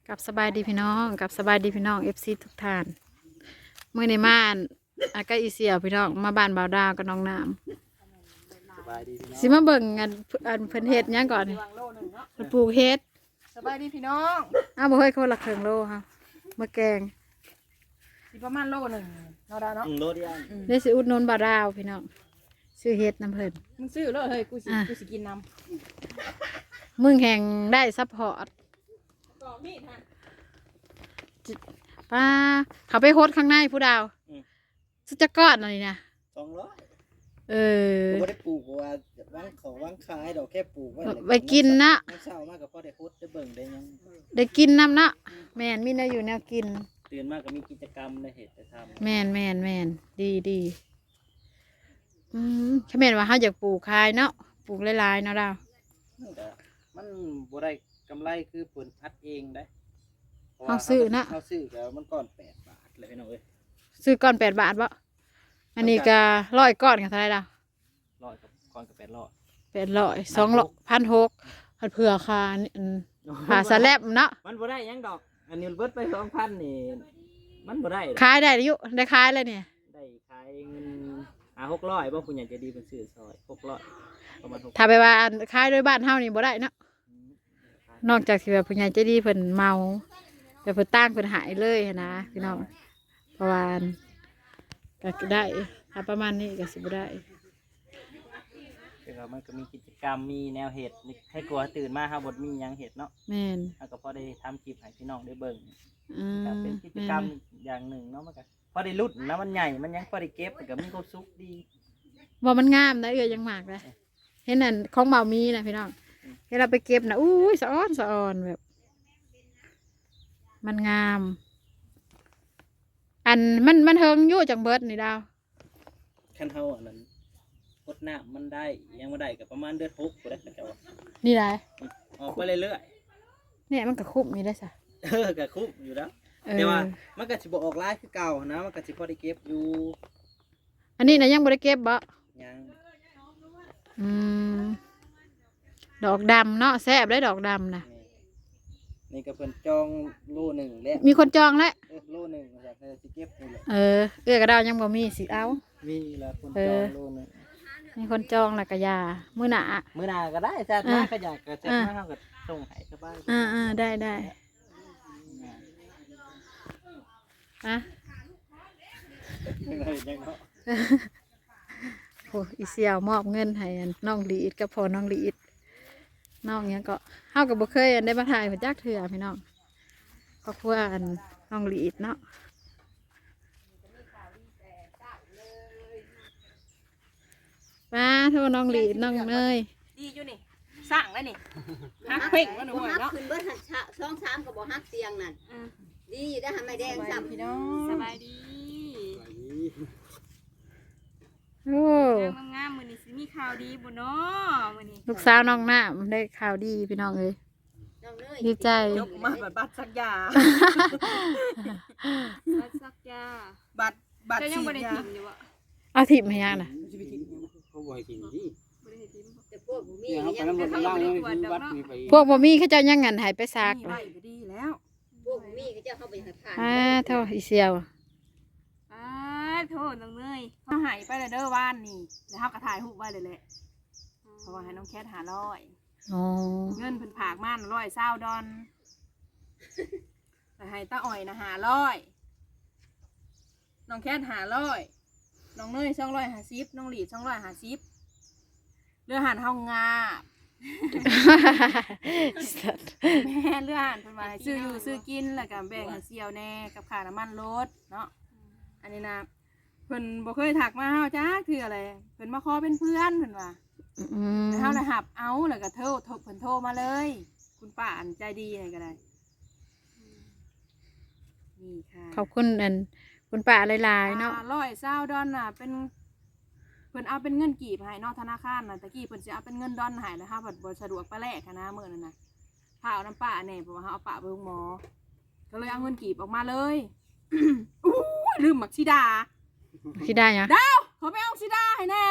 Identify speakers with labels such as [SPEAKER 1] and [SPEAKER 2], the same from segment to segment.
[SPEAKER 1] กับสบายดีพี่น้องกับสบายดีพี่น้องFCทุกท่านเมื่อในม่านอากาอีเสียพี่น้องมาบ้านบ่าวดาวกับน้องน้
[SPEAKER 2] สบายดีพี่น้อง
[SPEAKER 1] ำสิมาเบิ่งอันเพิ่นเฮ็ดหยังก่อนนี่เพิ่นปลูกเฮ็ด
[SPEAKER 3] สบายดีพี่น้อง
[SPEAKER 1] อ้าวบ่เฮ้ยคนละครึ่งโลค่ะมาแกง
[SPEAKER 3] สิประมาณโลหนึ่งเนาะดาเนาะ
[SPEAKER 2] โลเดียว
[SPEAKER 1] ได้สิอุดหนุนบ่าวดาวพี่น้องซื้อเฮ็ดน้ำเพิ่น
[SPEAKER 3] มึงซื้อเลยเฮ้ยกูสิกินน้
[SPEAKER 1] มึงแห่งได้ซัพพอร์ต
[SPEAKER 3] ำก่อมีดฮะ
[SPEAKER 1] ป้าเขาไปโฮสต์ข้างในผู้ดาวสุดจะกอดหน่อยนะ
[SPEAKER 2] 200
[SPEAKER 1] เออ
[SPEAKER 2] ผมบ่ได้ปลูกว่าว่างขายดอกแค่ปลูกไว้
[SPEAKER 1] ไปกินนะ
[SPEAKER 2] น้ำเช้ามากก็พอได้โคตรได้เบิ่งได้ยัง
[SPEAKER 1] ได้กินน้ำเนาะแม่นมีแนวอยู่แนวกิน
[SPEAKER 2] ตื่นมากก็มีกิจกรรมได้เฮ็ดได้ทำ
[SPEAKER 1] แม่นดีแค่แม่นว่าเขาอยากปลูกคายเนาะปลูกหลายๆเนาะดาว
[SPEAKER 2] แต่มันบ่ได้กำไรคือเพิ่นอัดเองได้
[SPEAKER 1] เขาซื้อนะ
[SPEAKER 2] เขาซื้อก็มันก่อน8 บาทเลยพี่น้องเอ้ย
[SPEAKER 1] ซื้อก้อน8 บาทบ่อันนี้ก็100ก้อนกันเท่าไหร่ดาว
[SPEAKER 2] 100กับก่อนกับ800
[SPEAKER 1] 800 200 1,600พันเผื่อคานี่ผ่าสแลบเนาะ
[SPEAKER 2] มันบ่ได้หยังดอก อันนี้เบิดไป 2,000 นี่มันบ่ได้ดอก
[SPEAKER 1] ขายได้อยู่ได้ขายเลยเนี่ย
[SPEAKER 2] ได้ขายเงิน600บ่ผู้ใหญ่ใจะดีเพิ่นซื้อซอย600ประมาณ600
[SPEAKER 1] ถ้าไปว่าขายโดยบ้านเฮานี่บ่ได้เนาะนอกจากที่แบบผู้ใหญ่ใจดีเพิ่นเมาแบบเพิ่นตั้งเพิ่นหายเลยหั้นนะพี่น้องเพราะว่าก็ได้ถ้าประมาณนี้ก็สิบ่ได้
[SPEAKER 2] คือว่ามันก็มีกิจกรรมมีแนวเหตุให้กลัวตื่นมาเฮาบ่มีหยังเฮ็ดเนาะ
[SPEAKER 1] แม่น
[SPEAKER 2] เฮาก็พอได้ทำคลิปให้พี่น้องได้เบิ่ง
[SPEAKER 1] อื
[SPEAKER 2] ก็
[SPEAKER 1] ม
[SPEAKER 2] เป็นกิจกรรมอย่างหนึ่งเนาะมันก็พอได้ลุ้นนะมันใหญ่มันยังพอได้เก็บมันก็มีความสุขดี
[SPEAKER 1] ว่ามันงามนะยังมากเลยเห็นนั่นของเบามีนะพี่น้องเวลาไปเก็บนะอุ้ยสะอ้อนแบบ มันงาม อันมันเฮิงอยู่จังเบิดนี่ดาว
[SPEAKER 2] คันเฮาอันนั้นกดน้ำมันได้ยังบ่ได้ก็ประมาณเดือน6บ่ได้ก็จะว่า
[SPEAKER 1] นี่ไร
[SPEAKER 2] ออกไปเรื่อย
[SPEAKER 1] เนี่ยมันก็คุ้มนี่ได้สะ
[SPEAKER 2] ก็คุ้มอยู่แล้ว
[SPEAKER 1] เอ
[SPEAKER 2] แต่
[SPEAKER 1] อ
[SPEAKER 2] ว่ามันก็สิบ่ออกหลายคือเก่านะมันก็สิพอได้เก็บอยู่
[SPEAKER 1] อันนี้นะยังบ่ได้เก็บบ่
[SPEAKER 2] ยัง
[SPEAKER 1] อืมดอกดำเนาะแซ่บได้ดอกดำนะ
[SPEAKER 2] นี่ก็เพิ่นจองโลหนึ่งแล้ว
[SPEAKER 1] มีคนจองแล้ว
[SPEAKER 2] โลหนึ่งว่าซั่นสิเก็บนี่แหละ
[SPEAKER 1] กระดาวยังบ่มีสิเอา
[SPEAKER 2] มีแล้วคนจองโลหนึง
[SPEAKER 1] มีคนจองแล้วก็ยามื้อหน้า
[SPEAKER 2] มื้อหน้าก็ได้จัดมาก็อยากก็จัดมาเฮาก็ส่งให้สบาย
[SPEAKER 1] ได้อะ
[SPEAKER 2] ยังเนาะ
[SPEAKER 1] โอ้อีเสี่ยวมอบเงินให้น้องลีดกับพ่อน้องลีดน้องเนี้ยก็เฮากับบ่เคยได้มาถ่ายเพิ่นจักเทื่อพี่น้องครอบครัวน้องลีดเนาะมาโทรน้องลีดน้องเนย
[SPEAKER 3] ดีอยู่นี่สร้างแล้วนี่ฮักเพ่งมันหน่อย
[SPEAKER 4] ฮัก
[SPEAKER 3] เนาะ
[SPEAKER 4] ขึ้นเบิดหันชะ2-3ก็บ่ฮักเตียงนั่นดีได้ทำไมแดงซ้ำ
[SPEAKER 3] พี่น้อง
[SPEAKER 5] สบายดี
[SPEAKER 1] โอ้
[SPEAKER 5] เรื่องงามๆมื้อนี้สิมีข่าวดีบ่เนาะมื้อนี้
[SPEAKER 1] ลูกสาวน้องน้ำได้ข่าวดีพี่น้องเอ้ย
[SPEAKER 4] น้องเนย
[SPEAKER 1] ดีใจ
[SPEAKER 3] ยกมาบัตรสักยา
[SPEAKER 5] รักสักยา
[SPEAKER 3] บัตร
[SPEAKER 5] เจ้ายัง
[SPEAKER 3] ฉี
[SPEAKER 5] บ่
[SPEAKER 3] ด
[SPEAKER 5] ได้
[SPEAKER 3] ยา
[SPEAKER 5] ทิมอยู่บ่
[SPEAKER 1] เอาถิ่มให้ยังน่ะ
[SPEAKER 6] เขาบ่ให้กินที่
[SPEAKER 5] บ่ได้ทิมบ่
[SPEAKER 4] แต่พวกบ่มี
[SPEAKER 6] เนี่ยเขาไป
[SPEAKER 4] ยัง
[SPEAKER 6] น้ำมัน
[SPEAKER 5] เขา
[SPEAKER 6] ล่าง
[SPEAKER 5] บ่ได้
[SPEAKER 6] นี่
[SPEAKER 5] กวด
[SPEAKER 6] คือ
[SPEAKER 5] ดอก
[SPEAKER 6] วัด
[SPEAKER 5] เนาะ
[SPEAKER 6] นี่ไป
[SPEAKER 1] พวกบ่มีเขาเจ้ายังงันใหายไปซาก
[SPEAKER 3] นี่
[SPEAKER 1] เล
[SPEAKER 3] ไว้
[SPEAKER 1] ย
[SPEAKER 3] ก็ดีแล้ว
[SPEAKER 4] พวกบ่มีก็เจ้าเข้าไปให้ผ่าน
[SPEAKER 1] เท่าอีเซียว
[SPEAKER 5] อ้าโทษน้องเนยเฮาหายไปแล้วเด้อว่านนี่แล้วเฮาก็ถ่ายรูปไว้เลยแหละเพราะว่าให้น้องแคท500
[SPEAKER 1] อ๋อ
[SPEAKER 5] เงินเพิ่นฝากมา120ดอนแต่ให้ตาอ้อยนะ500น้องแคท500น้องเนย250น้องหลีด250เรือหันห้องงาบ แม่เลื่อนเพิ่นว่าให้ซื้ออยู่ซื้อกินแล้วก็แบ่งให้เสี่ยวแน่กับค่าน้ำมันรถเนาะอันนี้นะเพิ่นบ่เคยถักมาเฮาจ้าคืออะไรเพิ่นมาขอเป็นเพื่อนเพิ่นว่า
[SPEAKER 1] อืม
[SPEAKER 5] แล้วเฮาน่ะหับเอาแล้วก็เพิ่นโทรมาเลย คุณป้าอันใจดีนี่ก็ได้นี่ค่ะ
[SPEAKER 1] ขอบคุณคุณป้าหลายๆเนาะ
[SPEAKER 5] 120ดอนน่ะเป็นเพิ่นเอาเป็นเงินกีบให้เนาะธนาคารน่ะตะกี้เพิ่นสิเอาเป็นเงินดอนให้แล้วเฮาบัดบ่สะดวกไปแลกหั้นนะมื้อนั้นน่ะพาเอาน้ำป้าแน่เพราะว่าเฮาเอาป้าไปโรงหมอ ก็เลยเอาเงินกีบออกมาเลย อู้ยลืมหมักชิดา
[SPEAKER 1] คิดได้ยัง
[SPEAKER 5] ดาวขอไปเอาชิดาให้แน่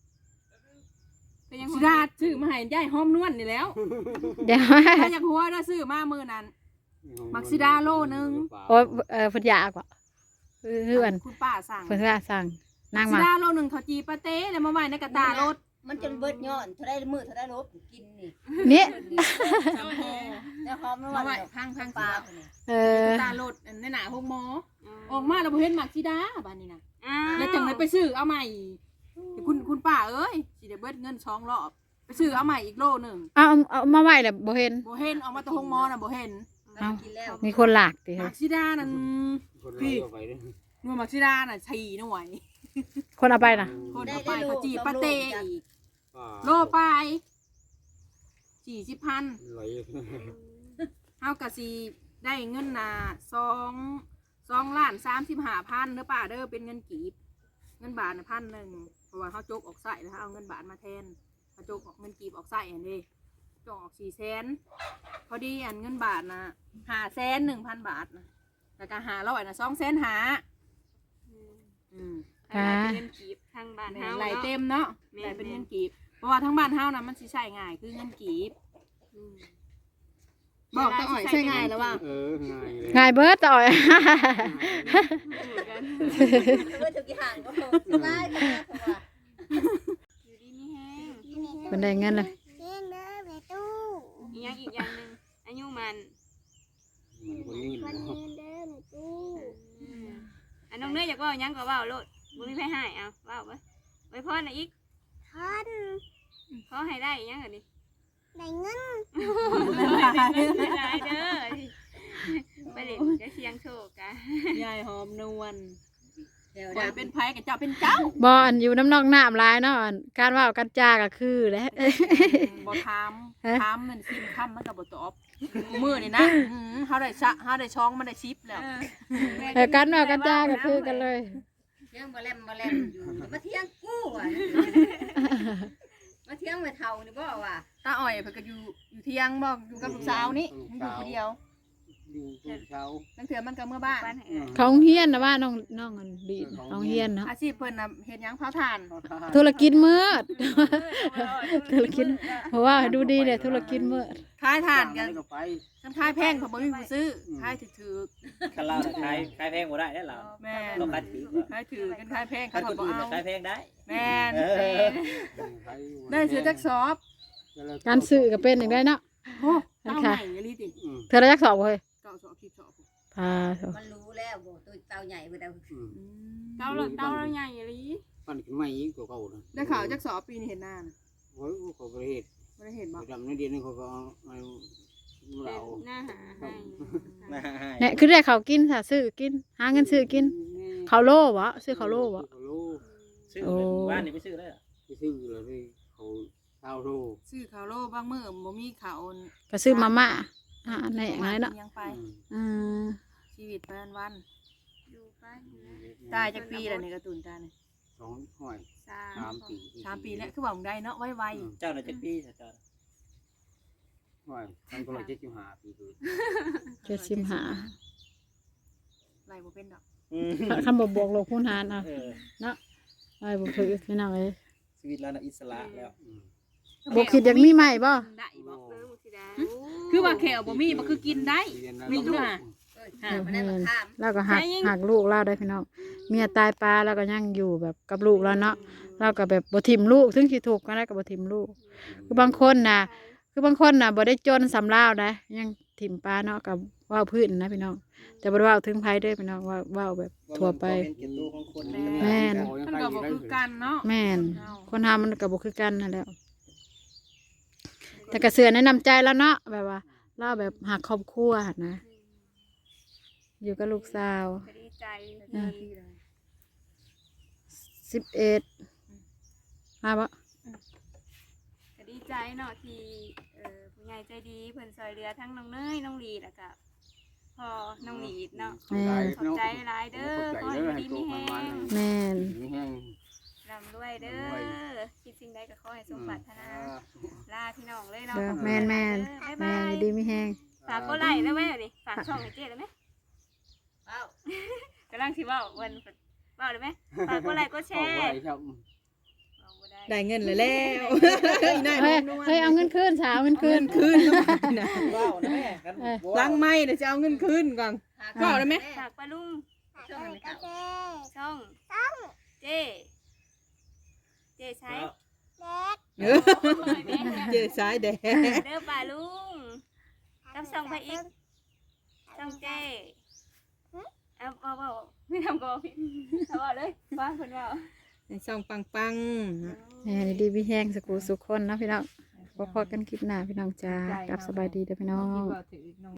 [SPEAKER 5] ชิดาซื้อมาให้ยายหอมนวลนี่แล้ว
[SPEAKER 1] เดี๋ยว
[SPEAKER 5] ถ้าอยากหัวได้ซื้อมามือนั้นมักซิดาโลนึง
[SPEAKER 1] โอ้ยเพิ่นอยากบ่เพื่อน
[SPEAKER 5] คุณป้าสั่ง
[SPEAKER 1] เพิ่นว่าสั่งนาง
[SPEAKER 5] ซิ
[SPEAKER 1] มา
[SPEAKER 5] ดาโลนึงเขาจีปาเต้แล้วมาไว้ในกระตารถ
[SPEAKER 4] มันจนเบิดย้อนเท่าได้มือเท่าได้ลบกินนี่
[SPEAKER 1] นี่
[SPEAKER 4] แล้วหอมแล้ว
[SPEAKER 5] มาไว้
[SPEAKER 4] ว่า
[SPEAKER 5] พัง
[SPEAKER 4] ปลา
[SPEAKER 1] เออก
[SPEAKER 5] ระตารถในหน้าห้องหมอออกมาแล้วบ่เห็นมักซิดาบ้านนี้นะ
[SPEAKER 3] อ่า
[SPEAKER 5] แล้วจังเลยไปซื้อเอาใหม่คุณป้าเอ้ยสิได้เบิดเงิน2 รอบไปซื้อเอาใหม่อีกโลนึง
[SPEAKER 1] เอามาไว้แล้วบ่เห็น
[SPEAKER 5] บ่เห็นออกมาแตะห้องหมอน่ะบ่เห็น
[SPEAKER 4] กินแล้ว
[SPEAKER 1] มีคนหลากติ
[SPEAKER 5] มักซิดานั่น
[SPEAKER 6] คนเราเอาไปเด้อ
[SPEAKER 5] หน่วยมักซิดาน่ะ4หน่วย
[SPEAKER 1] คนเอาไปน่ะ
[SPEAKER 5] คนเอาไปเขาจีปาเต้อีก
[SPEAKER 6] ป้า
[SPEAKER 5] โลไป40,000
[SPEAKER 6] ไหล
[SPEAKER 5] เฮากะสิได้เงินน่ะ2,35,000เด้อป้าเด้อเป็นเงินกีบเงินบาทน่ะ1,000เพราะว่าเฮาจกออกไส้แล้วเฮาเอาเงินบาทมาแทนเฮาจกออกเงินกีบออกไส้อันนี้จกออก400,000พอดีอันเงินบาทน่ะ501,000 บาทนะแล้วก็500น่ะ2,500,000
[SPEAKER 3] อันนั้นเป็นเงินกีบทางบ้านเฮา
[SPEAKER 5] ไหล
[SPEAKER 3] เนาะ
[SPEAKER 5] เต็มเนาะ
[SPEAKER 3] แม่น
[SPEAKER 5] ไหลเป็นเงินกีบเพราะว่าทั้งบ้านเฮาน่ะมันสิใช้ง่ายคือเงินกีบบอกตาอ่อยใช้ง่ายแล้วว่า
[SPEAKER 6] ง่ายเลย
[SPEAKER 1] ง่ายเบิดต่อย
[SPEAKER 4] เบิดทุกอย่างก็สบายก็ว่า
[SPEAKER 3] อยู่ดีมีแห้ง
[SPEAKER 1] เพิ่นได้เงินเลย
[SPEAKER 3] อีกอย่างอีกอย่างหนึงอายุมัน
[SPEAKER 6] คนนี้เนาะ
[SPEAKER 3] อันน้องเนยอยากเว่าหยังก็เว่าโลดบ่มีไผให้เอาเว้าไปไว้พรน่ะอีกขอให้ได้อีหยังก็ดิได้เงินได้เด้อไปเล่นจะเสียงโชคกะ
[SPEAKER 5] ยายหอมนวล
[SPEAKER 4] เดี๋ยว
[SPEAKER 5] คอย
[SPEAKER 4] ดำ
[SPEAKER 5] เป็นไผกับเจ้าเป็นเจ้า
[SPEAKER 1] บ่อันอยู่น้ำนอกน้ำหลายเนาะอันการเว้ากันจาก็คือแหละ
[SPEAKER 5] บ่ถาม
[SPEAKER 1] ฮะ
[SPEAKER 5] ถามมันซิมคำมันก็บ่ตอบมื้อนี่นะเฮาได้ช่องมันได้ชิปแล้ว
[SPEAKER 1] การเว้ากันจาก็คือกันเลย
[SPEAKER 4] เที่ยงบ่แลมอยู่มาเที่ยงกู้อ่ะมาเที่ยงมาเท่านี่บ่ว่า
[SPEAKER 5] ตาอ่อยเพิ่นก็อยู่เที่ยงบ่อยู่กับลูกสาวนี่มันอยู่คนเดียว
[SPEAKER 6] ดูทุกเช้า
[SPEAKER 5] ตั้งเถื่อมันก็เมื่อบ้าน
[SPEAKER 3] บ้านให้เอ้ย
[SPEAKER 1] เขาเฮียนนะว่าน้องอันดีน้องเฮียนเนาะ
[SPEAKER 5] อาชีพเพิ่นน่ะเฮ็ดหยังเผาถ่าน
[SPEAKER 1] ธุรกิจมืด ธุรกิจเพราะว่าดูดีเนี่ยธุรกิจมืด
[SPEAKER 5] ขายถ่านกัน
[SPEAKER 6] ก็ไป
[SPEAKER 5] คันขายแพงเขาบ่มีผู้ซื้อขายถือ
[SPEAKER 2] คันเราน่ะขายแพงบ่ได้เด้อเรา
[SPEAKER 5] ๆแม่น
[SPEAKER 2] ต้องขายถือ
[SPEAKER 5] ขายถือกันขายแพง
[SPEAKER 2] คั
[SPEAKER 5] เขา
[SPEAKER 2] นคน
[SPEAKER 5] บ่
[SPEAKER 2] อื่น
[SPEAKER 5] เอา
[SPEAKER 2] น่ะขายแพงได้
[SPEAKER 5] แม่น
[SPEAKER 6] ไป
[SPEAKER 5] ได้ซื้อจักสอบ
[SPEAKER 1] การซื้อก็เป็นอย่างได้เนาะ
[SPEAKER 5] โอ้เต้าใหม่อีหลีติ
[SPEAKER 1] เธอได้จักสอบบ่เฮ้ย
[SPEAKER 5] เก้าสอบ10สอบ
[SPEAKER 1] พาเถอะ
[SPEAKER 4] มันรู้แล้วบ่ตัวเตาใหญ่บ่ได้
[SPEAKER 3] เต้าเราใหญ่อีหลี
[SPEAKER 6] ปั่นขึ้นมาอีกตัวเก่านะ
[SPEAKER 5] ได้ข่าวจักสอบปีนี้เห็นหน้าน่ะ
[SPEAKER 6] โอ้ยเขาประเทศ
[SPEAKER 5] บ่ได้เห็นบ่
[SPEAKER 6] ดำในเดือนนึงเขาก็เอา
[SPEAKER 3] เป็
[SPEAKER 6] เรา
[SPEAKER 3] นหน้าหาให้
[SPEAKER 2] มาให้
[SPEAKER 1] เนี่ยคือได้เขาวกินค่ะซื้อกินหาเงินซื้อกินเขาวโล่บ่ซื้อเขาวโล่บ่
[SPEAKER 6] เขาโล
[SPEAKER 2] ซื้อเลยบ้านนี่ไปซื้อเลยเหรอ
[SPEAKER 6] ไปซื้อเลยเขาเท่าโล
[SPEAKER 5] ซื้อข้าวโลบางมื้อบ่มีข้าว
[SPEAKER 1] ก็ซื้อมาม่าอันไหนอย่างไรเนาะ
[SPEAKER 5] ยังไป
[SPEAKER 1] อืม
[SPEAKER 5] ชีวิตไปวัน
[SPEAKER 3] อยู่ไปนะ
[SPEAKER 5] ๆตายจักปีแล้วนี่การ์ตูนตานี่
[SPEAKER 6] 2 ห้อย 3 ปี
[SPEAKER 5] 3 ปีแล้วคือว่ามึงได้เนาะไว
[SPEAKER 2] เจ้าน่ะจักปีเจ้า
[SPEAKER 6] ห้อยทำตัวละ75 ปีคือ
[SPEAKER 1] 75
[SPEAKER 5] ๆไล่บ่เป็นดอก
[SPEAKER 1] คำบอกบวกลบคูณหารเอา
[SPEAKER 2] เออ
[SPEAKER 1] ไอ้บ่ถือพี่น้องเอ้ย
[SPEAKER 2] ชีวิตเราน่ะอิสระแล้ว
[SPEAKER 1] บ่คิดอยากมีใหม่บ่
[SPEAKER 5] ได้บ่
[SPEAKER 3] เออมุสิดา
[SPEAKER 5] คือว่าแขวบ่มีบ่คือกินได้ มีด้วย
[SPEAKER 4] มันได้มาข้าม
[SPEAKER 1] แล้วก็หักลูกเราได้พี่น้องเมียตายปลาแล้วก็ยังอยู่แบบกับลูกแล้วเนาะเราก็แบบบ่ทิ่มลูกถึงสิถูกข์ก็ได้ก็บ่ทิ่มลูก คือบางคนน่ะบ่ได้จนสำลาวนะยังทิ่มปลาเนาะกับว่าวพื้นนะพี่น้องแต่บ่ได้ว่าวถึงไผเด้อพี่น้องว่าวแบบทั่วไป
[SPEAKER 2] เป็นเกียรติตัวของคน
[SPEAKER 1] แม่น
[SPEAKER 5] มันก็บ่คือกันเนาะ
[SPEAKER 1] แม่นคนทำมันก็บ่คือกันนั่นแหละแต่ก็เสือแนะนำใจแล้วเนาะแบบว่าเราแบบหักครอบครัวหั่นนะอยู่กับลูกสาว
[SPEAKER 3] ก็ดีใจ
[SPEAKER 1] 11มาบ่
[SPEAKER 3] ก็ดีใจเนาะที่ผู้ใหญ่ใจดีเพิ่นช่วยเหลือทั้งน้องเนยน้องลีแล้วก็พ่อน้องหลีดเนาะ
[SPEAKER 1] แม่น
[SPEAKER 3] ขอบใจหลายเด้อขอให้อยู่ดีมีแฮง
[SPEAKER 1] แม่น
[SPEAKER 6] มีแห้ง
[SPEAKER 3] ร่ำรวยเด้อคิดสิ่งใดก็ขอให้สมปรารถนาลาพี่น้องเลยเนาะ
[SPEAKER 1] เด้อ
[SPEAKER 3] ขอบคุณ
[SPEAKER 1] แม่น
[SPEAKER 3] หลาย
[SPEAKER 1] แม่
[SPEAKER 3] เด้อบ๊ายบาย
[SPEAKER 1] ดีมีแฮง
[SPEAKER 3] ฝากกดไลค์ได้ไหมดิฝากช่องให้เจ๊ได้ไหม
[SPEAKER 4] เอ้าก
[SPEAKER 3] ำลังสิเว่าวันเว่าได้ไหมฝากกดไลค์กดแช
[SPEAKER 6] เอา
[SPEAKER 3] ร์
[SPEAKER 6] ไว้ครับ
[SPEAKER 3] เอาบ่ได้
[SPEAKER 5] ได้เงินแล้วได้
[SPEAKER 1] เฮ้ยเฮ้ยเอาเงินคืนสาวเอาเงินคืน
[SPEAKER 5] นะ
[SPEAKER 6] ว้าวนะแม่กัน
[SPEAKER 5] ล้างไม้เดี๋ยวจะเอาเงินคืนก่อนก็ได้ไหม
[SPEAKER 3] ฝากปลาลุง
[SPEAKER 4] ช่วงนั้นไม่เข้า
[SPEAKER 3] ช่องเจใช้
[SPEAKER 5] เจ๊สายแดง
[SPEAKER 3] เด้อปลาลุงกับช่องไปอีกช่องเจเอาไม่ทำกอพี่เอาเลยว่าคนว่า
[SPEAKER 5] ในช่องปัง
[SPEAKER 1] นี่ดีพี่แห้งสกูสุกคนเนาะพี่น้องพอกันคลิปหน้าพี่น้องจ้ากลับสบายดีเด้อพี่น้อง
[SPEAKER 5] ๆ